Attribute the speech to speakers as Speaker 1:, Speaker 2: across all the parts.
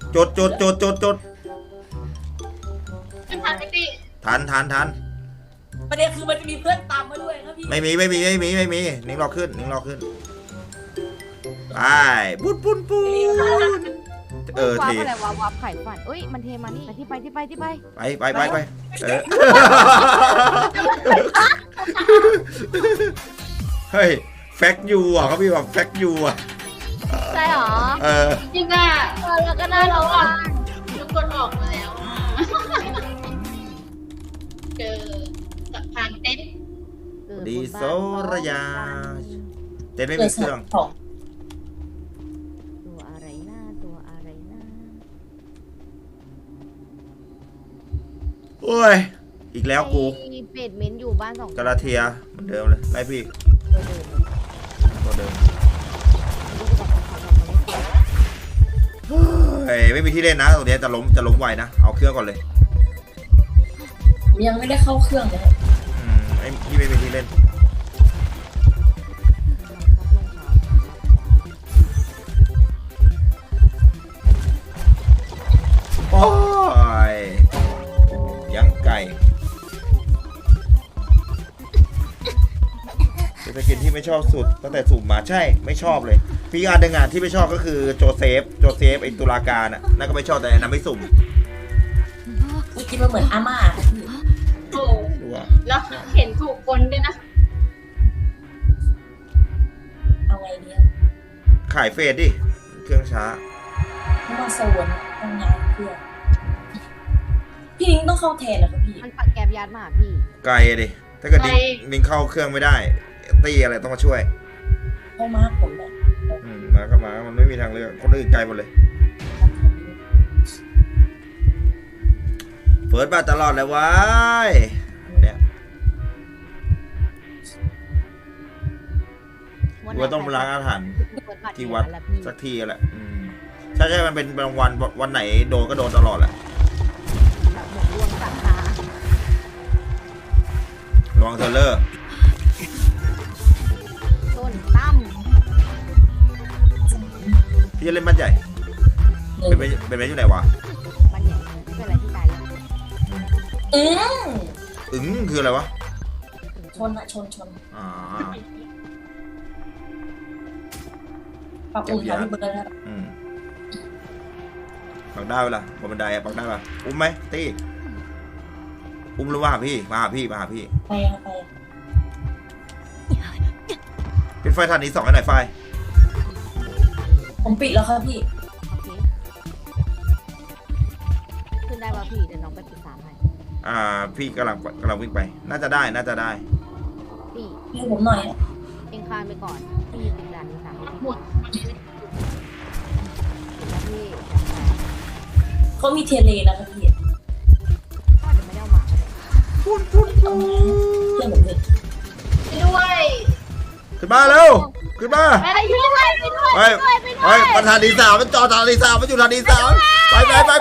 Speaker 1: จด
Speaker 2: ไม่ทันพี่
Speaker 1: ทัน
Speaker 3: ประเด็นคือมันจะมีเพื่อนตามมาด้วยครับพี่
Speaker 1: ไม่มีนิ้งรอขึ้นไปปุ้น
Speaker 4: วับ
Speaker 1: เท
Speaker 4: อะไรวับไข่ฝันเอ้ยมันเทมานี่ที่ไป
Speaker 1: ไปเฮ้ยแฟกยูอ่ะเขาพี่บอกแฟกยูอ่ะ
Speaker 4: ใช่หรอ
Speaker 2: จริงอ่ะ
Speaker 4: แล้วก็น่ารัก
Speaker 2: ทุกคนออกมาแล้วเจอสะพานเต้น
Speaker 1: ดีโซระยาเต้นไม่มีเครื่อง
Speaker 4: ตัวอะไรนะ
Speaker 1: โอ้ยอีกแล้วกู
Speaker 4: เป็ดเม้นอยู่บ้าน2
Speaker 1: กาลาเทียเหมือนเดิมเลยไล่พี่ตัวเดิมเฮ้ยไม่มีที่เล่นนะตรงนี้จะล้มไวนะเอาเครื่องก่อนเลย
Speaker 3: ยังไม่ได้เข้าเครื่องเลย
Speaker 1: ไอ้พี่ไม่มีที่เล่นโอ้ยยังไก่เป็นสกินที่ไม่ชอบสุดตั้งแต่สุ่มมาใช่ไม่ชอบเลยพี่อันหนึ่งที่ไม่ชอบก็คือโจเซฟไอ้ตุลาการอ่ะนั่นก็ไม่ชอบแต่อันนั้นไม่สุ่ม
Speaker 3: คิดว่าเหมือนอาม่า
Speaker 2: โอ้แล้วเห็นถูกคนด้วยนะ
Speaker 3: เอาไงดี
Speaker 1: ขายเฟสดิเครื่องช้า
Speaker 3: ไม่มาโซนทำงานเครื่องพี่นิ้งต้องเข้าแทนนะครับพี่
Speaker 4: มันปักแกบยัดมาพี่
Speaker 1: ไกลดิถ้าเกิดนิ้งเข้าเครื่องไม่ได้ตีอะไรต้องมาช่วย
Speaker 3: เข้ามาผมเลย
Speaker 1: มาก็มามันไม่มีทางเลือกคนอื่นไกลหมดเลยเฟิร์สมาตลอดเลยว้ายเนี่ยว่าต้องล้างอาถรรพ์ที่วัดสักทีแหละใช่มันเป็นบางวันไหนโดนก็โดนตลอดแหละระวังเทเลอร์
Speaker 4: ต้นตั้ม
Speaker 1: พี่จะเล่นบ้านใหญ่เป็นไหมอยู่ไหนวะ
Speaker 4: บ้านใหญ่เป็นอะไรที่ตายแล้ว
Speaker 1: คืออะไรวะ
Speaker 3: ชนปรับอุ่นค่ะพี่เบิร์ดแล้ว
Speaker 1: ปักได้เวลาบนบันไดปักได้ป่ะอุ้มไหมตีอุ้มหรือว่าพี่มาหาพี่
Speaker 3: ไป
Speaker 1: ปิดไฟทันนี้2ให้หน่อยไฟ
Speaker 3: ผมปิดแล้วครับพี่
Speaker 4: ขึ้นได้ป่ะพี่เดี๋ยวน้องไป13ให้
Speaker 1: พี่กำลังวิ่งไปน่าจะได้
Speaker 4: พี่
Speaker 3: ให้ผมหน่อย
Speaker 4: เองคานไปก่อนพี่ติดด่านที่3หมดพี่
Speaker 3: เขามีเทเลนะครับพี่
Speaker 4: ก็จะไม่ได้เอามา
Speaker 3: เพื่อนผมเลย
Speaker 2: ด้วย
Speaker 1: ขึ้นมาเร็วขึ้นมา
Speaker 2: ไป
Speaker 1: มันทานดี3มันจอทานดี3มันอยู่ทานดี3ไป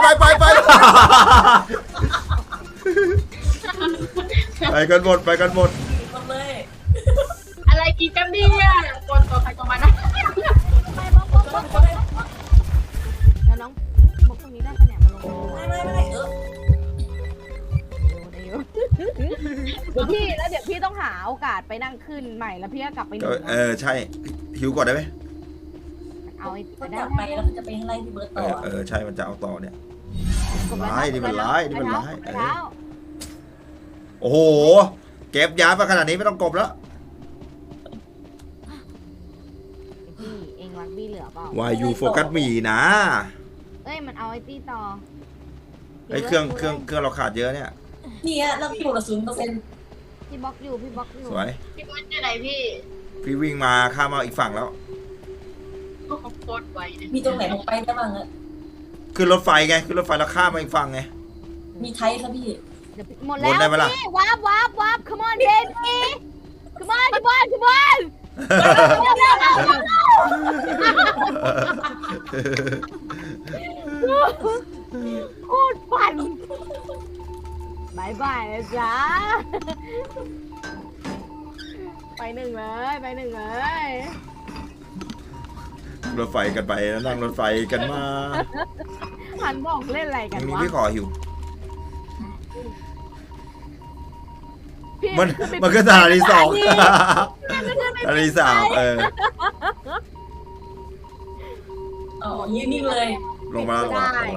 Speaker 1: กันหมด
Speaker 3: เลย
Speaker 2: อะไรกินกันดีอ่ะตัวใครตัวมันนะ
Speaker 4: แล้วน้องบอกตรงนี้ได้ปะเนี่ยมาลง
Speaker 3: ไม่
Speaker 4: พี่แล้วเดี๋ยวพี่ต้องหาโอกาสไปนั่งขึ้นใหม่แล้วพี่ก็กลับไป
Speaker 1: ใช่หิวก่อนได้ไหม
Speaker 4: เอา
Speaker 3: ก็กลับไปแล้วจะไปไล่พี่เบิร์ตต่อ
Speaker 1: ใช่มันจะเอาต่อเนี่ยร้ายโอ้โหเก็บยาไปขนาดนี้ไม่ต้องกบแล้ว
Speaker 4: พี่เองรักบี้เหลือเปล่า
Speaker 1: Why you focus me นะ
Speaker 4: มันเอาไอ้ตี้ต่อ
Speaker 1: เครื่องเราขาดเยอะเนี่ย
Speaker 3: นี่ฮะเราถูกละ0%
Speaker 4: พี่บล็อกอยู่
Speaker 1: สวย
Speaker 2: พี่บอลอยู่ไหนพี่
Speaker 1: วิ่งมาข้ามมาอีกฝั่งแล้ว
Speaker 2: โคตรไว
Speaker 3: มีตรงไหนผมไปได้บ้าง
Speaker 1: ขึ้นรถไฟไงขึ้นรถไฟแล้วข้ามมาอีกฝั่งไง
Speaker 3: มีไทยครับพี่
Speaker 4: หมดแล้วพี่วับ come on baby come on โคตรปั่นบายนะจ๊ะไปหนึ่งเลย
Speaker 1: รถไฟกันไปแล้วนั่งรถไฟกันมา
Speaker 4: หันบอกเล่นอะไรกัน
Speaker 1: นี่
Speaker 4: วะ
Speaker 1: พี่ขอหิว
Speaker 4: พี่
Speaker 1: มันก็สถานีสองสถานีสาม
Speaker 3: อ๋อยืนนิ่งเลย
Speaker 1: ลงมาแล้วลงมาแล้ว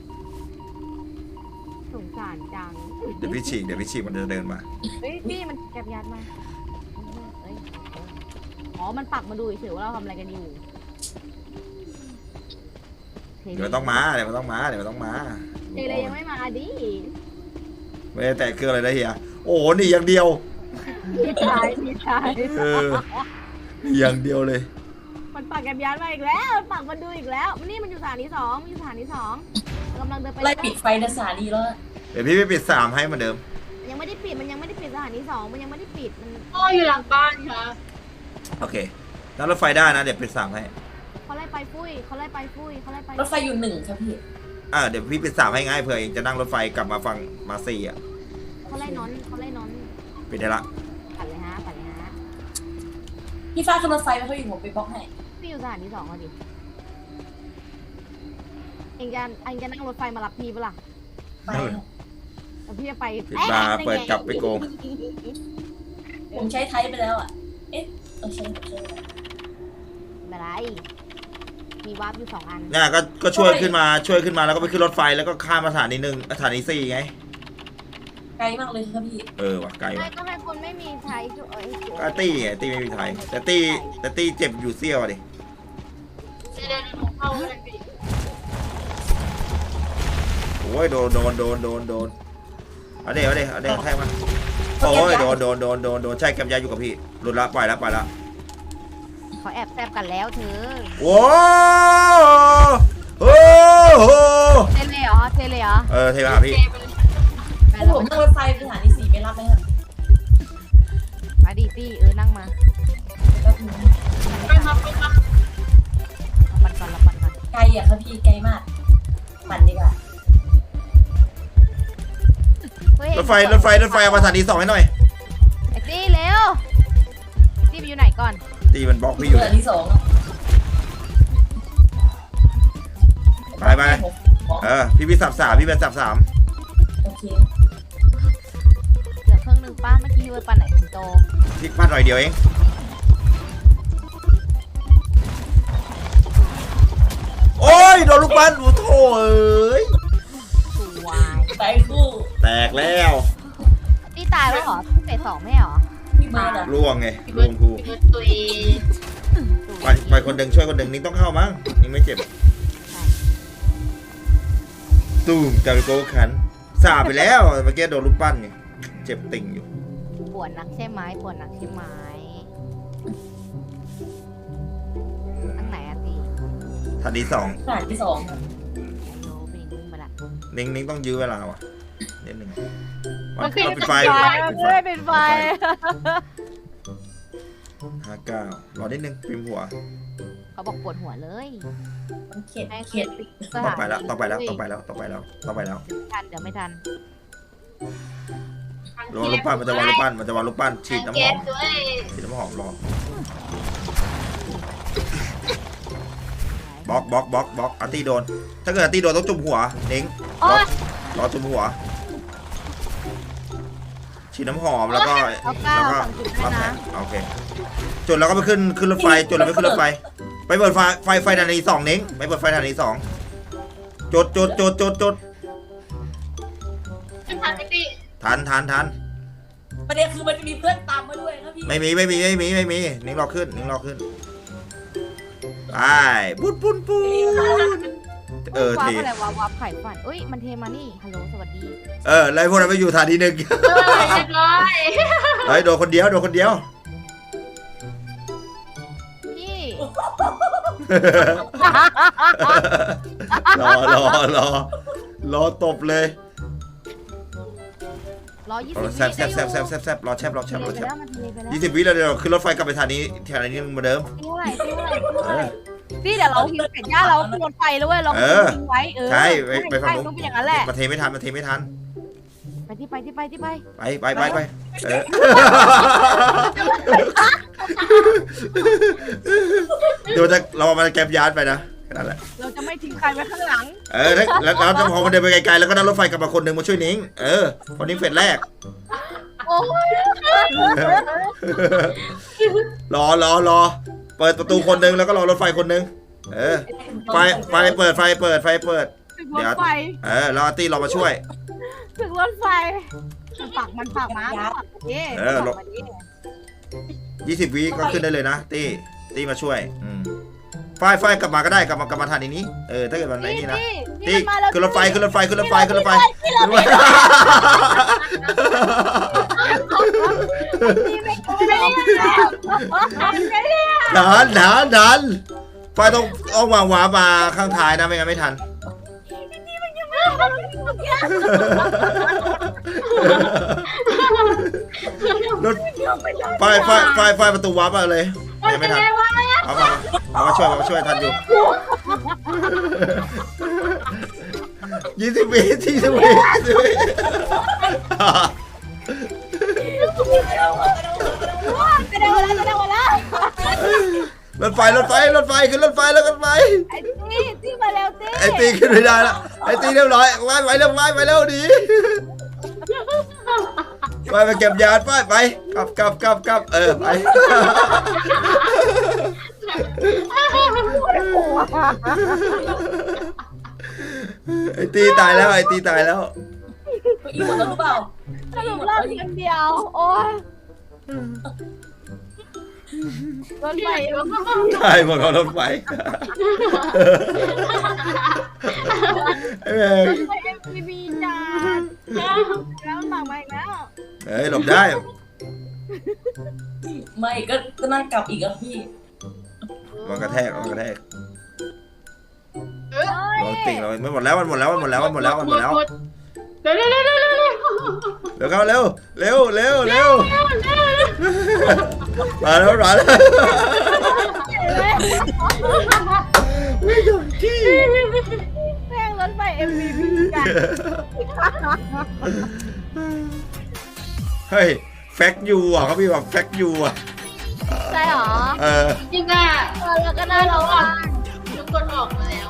Speaker 4: สงสารจัง
Speaker 1: เดี๋ยวพี่ฉีกมันจะเดินมา
Speaker 4: เฮ้ยพี่มันแกบยัดมาเอ้ยอ๋อมันปักมาดูเฉยๆว่าเราทำอะไรกันอยู่
Speaker 1: เดี๋ยวมันต้องมาเดี๋ยวมันต้องมา
Speaker 4: เทเลยยังไม่มาดิ
Speaker 1: ไม่ได้แตะเครื่องอะไรนะเฮียโอ้โหหนี่อย่างเดียว
Speaker 4: พี่ชาย
Speaker 1: อย่างเดียวเลย
Speaker 4: มันปักแกบยัดมาอีกแล้วมันปักมาดูอีกแล้วนี่มันอยู่สถานีสองกำลังเดินไป
Speaker 3: ไล่ปิดไฟในสถานีแล้ว
Speaker 1: เดี๋ยวพี่ไปปิด3ให้เหมือนเดิม
Speaker 4: ยังไม่ได้ปิดมันยังไม่ได้ปิดสถานีสองมันยังไม่ได้ปิดมัน
Speaker 2: พ่ออยู่หลังบ้านค่ะ
Speaker 1: โอเคนั่งรถไฟได้นะเดี๋ยวปิด3ให้
Speaker 4: เขาไล่ไปฟุ้ยเขาไล่ไป
Speaker 3: รถไฟอยู่1ครับพี่
Speaker 1: เดี๋ยวพี่ปิด3ให้ง่ายเผื่อเองจะนั่งรถไฟกลับมาฝั่งมาซีอ่ะ
Speaker 4: เขาไล่นอน
Speaker 1: ปิดได้ละ
Speaker 4: ปัดเลยฮะ
Speaker 3: พี่ฟ้าขึ้นรถไฟไปเขาอยู่ผมไปบล็อกให้
Speaker 4: พี่อยู่สถานีสองเอาดิเองจะนั่งรถไฟมารับพี่ปะล่ะ
Speaker 3: ไป
Speaker 4: แล้วพี่จะไป
Speaker 1: ปิดบาร์เปิดกลับไปโกง
Speaker 3: ผมใช้ไทยไปแล้วอ่ะเอ๊ะใช้
Speaker 4: ไม่เป็นไรมีวาร์ปอยู่2 อัน
Speaker 1: เนี่ยก็ช่วยขึ้นมาแล้วก็ไปขึ้นรถไฟแล้วก็ข้ามสถานี1สถานี4ไง
Speaker 3: ไกลมากเลยครับพี่
Speaker 1: ว่ะไกล
Speaker 4: ไม่
Speaker 1: ว่ะ
Speaker 4: ก็ให้คนไม่มีใช้ช่วย
Speaker 1: ก็ตี้ไงตี้ไม่มีไทยแต่ตี้เจ็บอยู่เสี้ยวอะดิ
Speaker 2: เดินเข้าเลยพี่
Speaker 1: โอ้ยโดนเอาเดี๋ยวแทงมันโอ้ยโดนใช่แกมยาอยู่กับพี่หลุดละปล่อยละ
Speaker 4: เขาแอบแซบกันแล้วเธอ
Speaker 1: โอ้โห
Speaker 4: เทเลยเหรอ
Speaker 1: เทมาหาพี่
Speaker 3: ถ้าผมนั่งรถไฟไปสถานี4ไปรับไหมครับ
Speaker 4: มาดิตี้นั่งมา
Speaker 3: แล้วถึง
Speaker 2: ไปมา
Speaker 4: ปันก่อน
Speaker 3: ไกลอ่ะครับพี่ไกลมากปั่นดีกว่าร
Speaker 1: ถไฟเอามาสถานี2ให้หน่อย
Speaker 4: ไอ้ตี้เร็วตี้ไปอยู่ไหนก่อน
Speaker 1: ตีมันบล็อกพี่อยู่
Speaker 3: สถานี2อ่ะ
Speaker 1: ไปพี่สับ3พี่เป็นสับ3
Speaker 3: โอเค
Speaker 4: เหลือเครื่องนึงป้าเมื่อกี้ไปปั่นไหนถึงโต
Speaker 1: พี่พลาดหน่อยเดียวเองโอ้ยโดนลูกบอลโอ้โถเอ้ย
Speaker 4: สวย
Speaker 3: ไปคู่
Speaker 1: แตกแล้ว
Speaker 4: ตี้ตายแล้วเหรอพี่เฟส2ไม่เหรอ
Speaker 3: พี่เบิร์ดอ่ะ
Speaker 1: ล่วงไงล่วงกู
Speaker 2: ตัวเอง
Speaker 1: ไปคนหนึ่งช่วยคนหนึ่งนิ้งต้องเข้ามั้งนิ้งไม่เจ็บตูมจากโกขันสาไปแล้วเมื่อกี้โดนลูกปั้นไงเจ็บติ่งอยู่
Speaker 4: ปวดนักใช่ไหมตั้งไหนอะตี
Speaker 1: ทันที2
Speaker 3: สถานี2ครับ
Speaker 4: โน้เป็นวิ่งมาละ
Speaker 1: นิ้งต้องยื้อเวลาว่ะนิดนึง
Speaker 2: มันปิด
Speaker 1: ปิดไฟ
Speaker 4: เป็นไฟ
Speaker 1: 59รอนิดนึงพิมพ์หัว
Speaker 4: เขาบอกปวดหัวเลย
Speaker 3: มันเข็ด
Speaker 4: ให้
Speaker 3: เข็ด
Speaker 1: ต้องไปแล้ว
Speaker 4: ทันเดี๋ยวไม่ทัน
Speaker 1: รอลูกปั้นมันจะวางลูกปั้นฉีดน้ำห
Speaker 2: แก๊
Speaker 1: อ
Speaker 2: ส
Speaker 1: ม
Speaker 2: ด้วย
Speaker 1: ฉีดน้ำหอมรอบล็อกอาร์ตี้โดนถ้าเกิดอาร์ตี้โดนต้องจุ่มหัวนิ้ง
Speaker 4: โอ๊ย
Speaker 1: รอจุ่มหัวฉีดน้ำหอมแล้วก็รับแผลโอเคจุดแล้วก็ไปขึ้นรถไฟจุดแล้วไปขึ้นรถไฟไปเปิดไฟทันที2นิ้งไปเปิดไฟทันที2จุด
Speaker 2: ไม่ทันพี่
Speaker 1: ทัน
Speaker 3: ประเด็นคือมันจะมีเพื่อนตามมาด้วยครับพี่
Speaker 1: ไม่มีนิ้งรอขึ้นไปปุ้น
Speaker 4: วาร์
Speaker 1: เท
Speaker 4: ปอะไรวาร์ปไข่ฝันเอ้ยมันเทมานี่ฮัลโหลสวัสดี
Speaker 1: แล้วพวกนั้นไปอยู่ฐานที่1
Speaker 2: เรียบร้อย
Speaker 1: เฮ้ยโดนคนเดียว
Speaker 4: พี่
Speaker 1: รอตบเลย
Speaker 4: 120
Speaker 1: แซบรอแชบ
Speaker 4: มันเทไปแล้วมันเทไปแล้ว
Speaker 1: 20 วิแล้วเดี๋ยวขึ้นรถไฟกลับไปฐานนี้เหมือนเดิม
Speaker 4: เท่าไหร่พี่เดี๋ยวเราหิวเสร็จย่าเราขึ้นรถไฟแล้วเว้ยเราทิ้งไว้
Speaker 1: ใช่
Speaker 4: ไป
Speaker 1: ไปฝั่งนู้น
Speaker 4: ต้องเป็นอย่างนั้นแหละ
Speaker 1: มาเทไม่ทัน
Speaker 4: ไปที่ไป
Speaker 1: ไปเดี๋ยวเรามาแกมยานไปนะแค่นั้นแหละ
Speaker 4: เราจะไม่ทิ้งใครไว้ข้างหลัง
Speaker 1: แล้วพอมันเดินไปไกลๆแล้วก็นั่งรถไฟกลับมาคนหนึ่งมาช่วยนิ้งพอนิ้งเฟสแรก
Speaker 4: โอ้ย
Speaker 1: รอเปิดประตูคนหนึ่งแล้วก็รอรถไฟคนหนึ่งไฟเปิด
Speaker 4: ถึงรถไฟ
Speaker 1: แล้วอาร์ตี้เรามาช่วย
Speaker 4: ถึงรถไฟมันปักม้า
Speaker 1: 20 วิก็ขึ้นได้เลยนะตี้มาช่วยไฟกลับมาก็ได้กลับมาทันนี้ถ้าเกิดมันไอ้นี่นะตี้ขึ้นรถไฟดันไฟต้องเอาวางวามาข้างท้ายนะไม่งั้นไม่ทันรถไฟประตูวาร์ปมาเลยยังไม่ทันเอามาช่วยทันอยู่20 วิรถไฟขึ้นรถไฟแล้วกันไป
Speaker 4: ไอ้ตีมาแล้วตี
Speaker 1: ไอ้ตีขึ้นไม่ได้แล้วไอ้ตีเรียบร้อยไปเร็วดีไปเก็บยานไปกลับไปไอ้ตีตายแล้ว
Speaker 3: อีกหมดแล้วหรือเปล่า
Speaker 4: สรุปรอบทีเดียวโอ้ยรถไฟ
Speaker 1: ใช่หมดรถไฟ
Speaker 4: MTV จานแล้วหลังมาอีกแล้ว
Speaker 1: หลบได้
Speaker 3: ไม่ก็นั่งกลับอีกอ่ะพี่
Speaker 1: มันกระแทกลองติ่งเราไม่หมดแล้วมันหมดแล้วเร็วเข้าเร็วมาแล้วไม่ยอมที่
Speaker 4: แม่งรถไฟ MTV กัน
Speaker 1: เฮ้ยแฟกยูเขาพี่บอกแฟกยู
Speaker 4: ใช่หรอ
Speaker 2: จริงอ่ะ
Speaker 4: แล้วก็น่าเรา
Speaker 2: ทุกคนออกมาแล้ว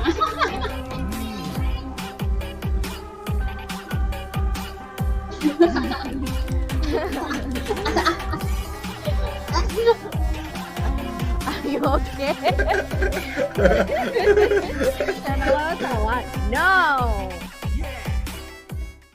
Speaker 4: โอเคแต่ว่า no